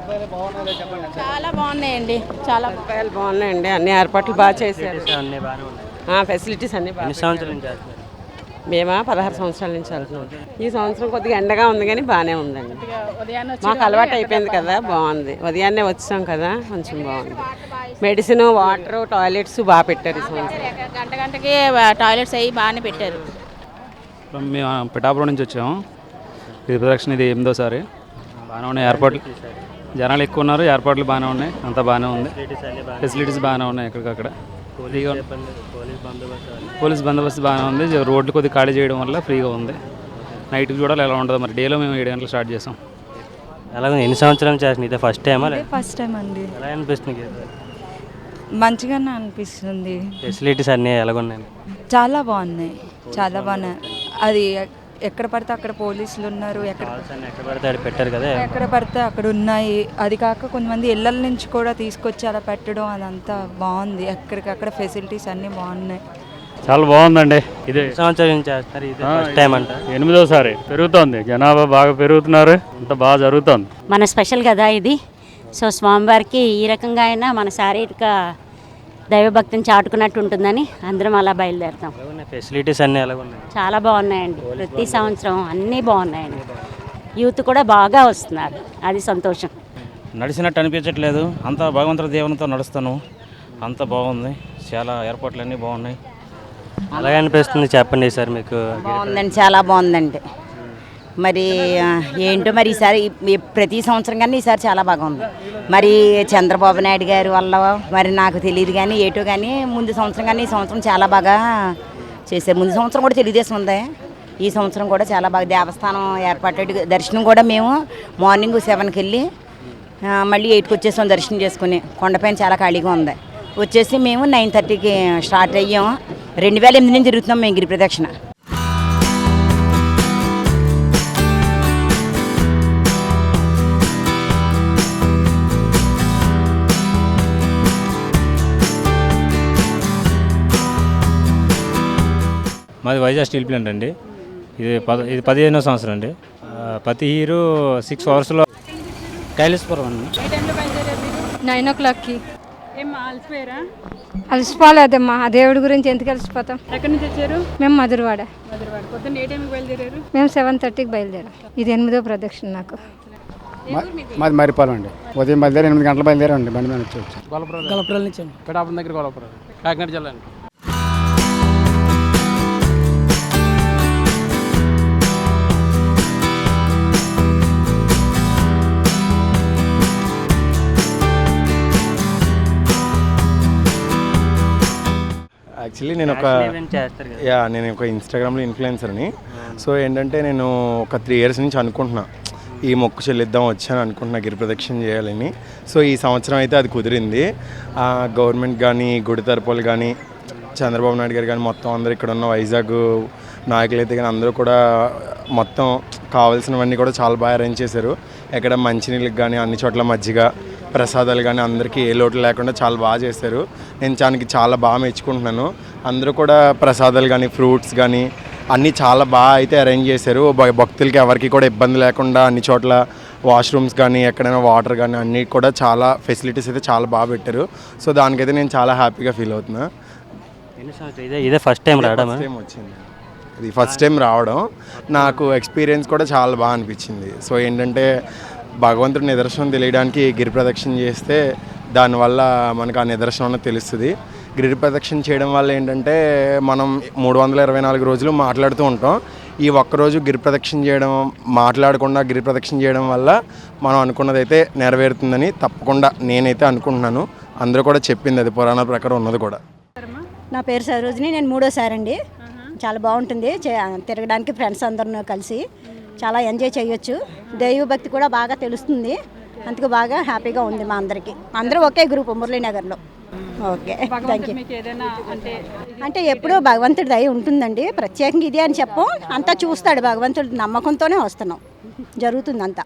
చాలా బాగున్నాయండి. చాలా సదుపాయాలు బాగున్నాయండి. అన్ని ఏర్పాట్లు బాగా చేశారు. అన్నీ బాగానే ఉన్నాయి. ఫెసిలిటీస్ అన్ని బాగా ఎన్ని సంవత్సరాల నుంచి చేస్తున్నారు? మేమా 16 సంవత్సరాల నుంచి వెళ్తున్నాం. ఈ సంవత్సరం కొద్దిగా ఎండగా ఉంది కానీ బాగానే ఉందండి. ఉదయాన్నే మాకు అలవాటు అయిపోయింది కదా, బాగుంది. ఉదయాన్నే వచ్చాం కదా, కొంచెం బాగుంది. మెడిసిన్, వాటర్, టాయిలెట్స్ బాగా పెట్టారు ఈ సంవత్సరం. గంట గంటకి టాయిలెట్స్ అవి బాగానే పెట్టారు. మేము పిఠాపురం నుంచి వచ్చాము. ఇది ప్రదక్షిణ, ఇది 8వ సారి. బాగానే ఉన్నాయి ఏర్పాట్లు. జనాలు ఎక్కువ ఉన్నారు, ఏర్పాట్లు బాగానే ఉన్నాయి, అంతా బాగానే ఉంది. ఫెసిలిటీస్ బాగానే ఉన్నాయి. ఎక్కడికక్కడ పోలీస్ బందోబస్తు బాగానే ఉంది. రోడ్లు కొద్దిగా ఖాళీ చేయడం వల్ల ఫ్రీగా ఉంది. నైట్కి చూడాలి ఎలా ఉంటుందో మరి. డేలో మేము 7 గంటలకు స్టార్ట్ చేసాం. ఎలాగ ఎన్ని సంవత్సరాలు చేస్తుంది? ఇదే ఫస్ట్ టైమా? ఫస్ట్ టైం అండి. ఎలా అనిపిస్తుంది? మంచిగానే అనిపిస్తుంది. ఫెసిలిటీస్ అన్నీ ఎలాగున్నాయి? చాలా బాగున్నాయి, చాలా బాగున్నాయి. అది ఎక్కడ పడితే అక్కడ పోలీసులు ఉన్నారు, ఎక్కడ పడితే అక్కడ పెట్టారు కదా, ఎక్కడ పడితే అక్కడ ఉన్నాయి. అది కాక కొంతమంది ఇళ్ళ నుంచి కూడా తీసుకొచ్చి అలా పెట్టడం, అదంతా బాగుంది. ఎక్కడికక్కడ ఫెసిలిటీస్ అన్నీ బాగున్నాయి. చాలా బాగుందండి. ఇదే సంవత్సరాల నుంచి చేస్తారు. ఇది ఫస్ట్ టైం అంట. 8వ సారి పెరుగుతోంది. జనాభా బాగా పెరుగుతున్నారు, అంత బాగా జరుగుతోంది. మన స్పెషల్ కదా ఇది. సో స్వామివారికి ఈ రకంగా అయినా మన శారీరక దైవభక్తిని చాటుకున్నట్టు ఉంటుందని అందరం అలా బయలుదేరుతాం. ఫెసిలిటీస్ అన్నీ ఎలాగున్నాయి? చాలా బాగున్నాయండి. ప్రతి సంవత్సరం అన్నీ బాగున్నాయండి. యూత్ కూడా బాగా వస్తున్నారు, అది సంతోషం. నడిచినట్టు అనిపించట్లేదు, అంతా భగవంతుడి దేవునితో నడుస్తాను. అంత బాగుంది, చాలా ఏర్పాట్లు అన్నీ బాగున్నాయి. అలాగే అనిపిస్తుంది చెప్పండి సార్ మీకు? బాగుందండి, చాలా బాగుందండి. మరి ఏంటో మరి ఈసారి ప్రతి సంవత్సరం కానీ ఈసారి చాలా బాగుంది. మరి చంద్రబాబు నాయుడు గారి వల్ల మరి నాకు తెలియదు కానీ ఏటో కానీ ముందు సంవత్సరం కానీ ఈ సంవత్సరం చాలా బాగా చేశారు. ముందు సంవత్సరం కూడా తెలుగుదేశం ఉంది, ఈ సంవత్సరం కూడా చాలా బాగా దేవస్థానం ఏర్పాటు. దర్శనం కూడా మేము మార్నింగ్ 7కి వెళ్ళి మళ్ళీ 8కి వచ్చేసాం దర్శనం చేసుకుని. కొండపైన చాలా ఖాళీగా ఉంది. వచ్చేసి మేము 9:30కి స్టార్ట్ అయ్యాము. 2008 నుంచి తిరుగుతున్నాం మేము గిరి ప్రదక్షిణ. మాది వైజాగ్ స్టీల్ ప్లాంట్ అండి. ఇది 15వ సంవత్సరం అండి. ప్రతి హీరో 6 అవర్స్లో కైలాసపురం అండి. 9 o'clockకి. అలసిపోయారా? అలసిపోలేదమ్మా, ఆ దేవుడి గురించి ఎందుకు అలసిపోతాం. ఎక్కడి నుంచి వచ్చారు? మేము మధురవాడ. పొద్దున్న ఏ టైంకి బయలుదేరారు? మేము 7:30కి బయలుదేరాం. ఇది 8వ ప్రదక్షిణ నాకు. మాది మరిపాలెం అండి. ఉదయం బయలుదేరి 8 గంటల బయలుదేరండి. బండి మీద వచ్చి గొల్లపురం నుంచి పిఠాపురం దగ్గర గొల్లపురం, కాకినాడ జిల్లా అండి. యాక్చువల్లీ నేను ఒక ఇన్స్టాగ్రామ్లో ఇన్ఫ్లుయెన్సర్ని. సో ఏంటంటే నేను ఒక 3 years నుంచి అనుకుంటున్నా ఈ మొక్కు చెల్లిద్దాం వచ్చాను అనుకుంటున్నా గిరి ప్రదక్షిణ చేయాలని. సో ఈ సంవత్సరం అయితే అది కుదిరింది. గవర్నమెంట్ కానీ, గుడి తరపులు కానీ, చంద్రబాబు నాయుడు గారు కానీ, మొత్తం అందరూ ఇక్కడ ఉన్న వైజాగ్ నాయకులు అయితే కానీ అందరూ కూడా మొత్తం కావాల్సినవన్నీ కూడా చాలా బాగా అరేంజ్ చేశారు. ఎక్కడ మంచినీళ్ళకి కానీ అన్ని చోట్ల మజ్జిగ, ప్రసాదాలు కానీ అందరికీ ఏ లోటు లేకుండా చాలా బాగా చేశారు. నేను దానికి చాలా బాగా మెచ్చుకుంటున్నాను. అందరూ కూడా ప్రసాదాలు కానీ, ఫ్రూట్స్ కానీ అన్నీ చాలా బాగా అయితే అరేంజ్ చేశారు. భక్తులకి ఎవరికి కూడా ఇబ్బంది లేకుండా అన్ని చోట్ల వాష్రూమ్స్ కానీ, ఎక్కడైనా వాటర్ కానీ అన్నీ కూడా చాలా ఫెసిలిటీస్ అయితే చాలా బాగా పెట్టారు. సో దానికైతే నేను చాలా హ్యాపీగా ఫీల్ అవుతున్నా. ఇదే ఫస్ట్ టైం రావడం వచ్చింది. ఇది ఫస్ట్ టైం రావడం నాకు ఎక్స్పీరియన్స్ కూడా చాలా బాగా అనిపించింది. సో ఏంటంటే భగవంతుడి నిదర్శనం తెలియడానికి గిరి ప్రదక్షిణ చేస్తే దానివల్ల మనకు ఆ నిదర్శనం తెలుస్తుంది. గిరి ప్రదక్షిణ చేయడం వల్ల ఏంటంటే మనం 324 రోజులు మాట్లాడుతూ ఉంటాం. ఈ ఒక్కరోజు గిరి ప్రదక్షిణ చేయడం, మాట్లాడకుండా గిరి ప్రదక్షిణ చేయడం వల్ల మనం అనుకున్నదైతే నెరవేరుతుందని తప్పకుండా నేనైతే అనుకుంటున్నాను. అందరూ కూడా చెప్పింది అది, పురాణాల ప్రకారం ఉన్నది కూడా. నా పేరు సరోజిని, నేను 3వసారి అండి. చాలా బాగుంటుంది తిరగడానికి. ఫ్రెండ్స్ అందరూ కలిసి చాలా ఎంజాయ్ చేయొచ్చు. దైవభక్తి కూడా బాగా తెలుస్తుంది. అందుకు బాగా హ్యాపీగా ఉంది మా అందరికీ. అందరూ ఒకే గ్రూప్ మురళీనగర్లో. Okay, thank you. అంటే ఎప్పుడూ భగవంతుడి దయ ఉంటుందండి. ప్రత్యేకంగా ఇది అని చెప్పం, అంతా చూస్తాడు భగవంతుడి నమ్మకంతోనే వస్తున్నాం. జరుగుతుంది అంతా.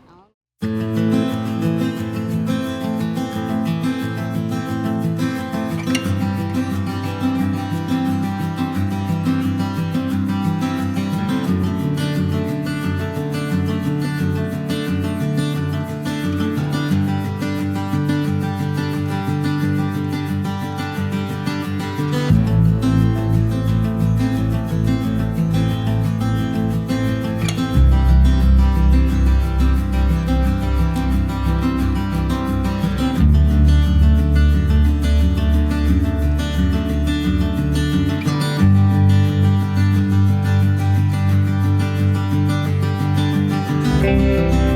Thank you.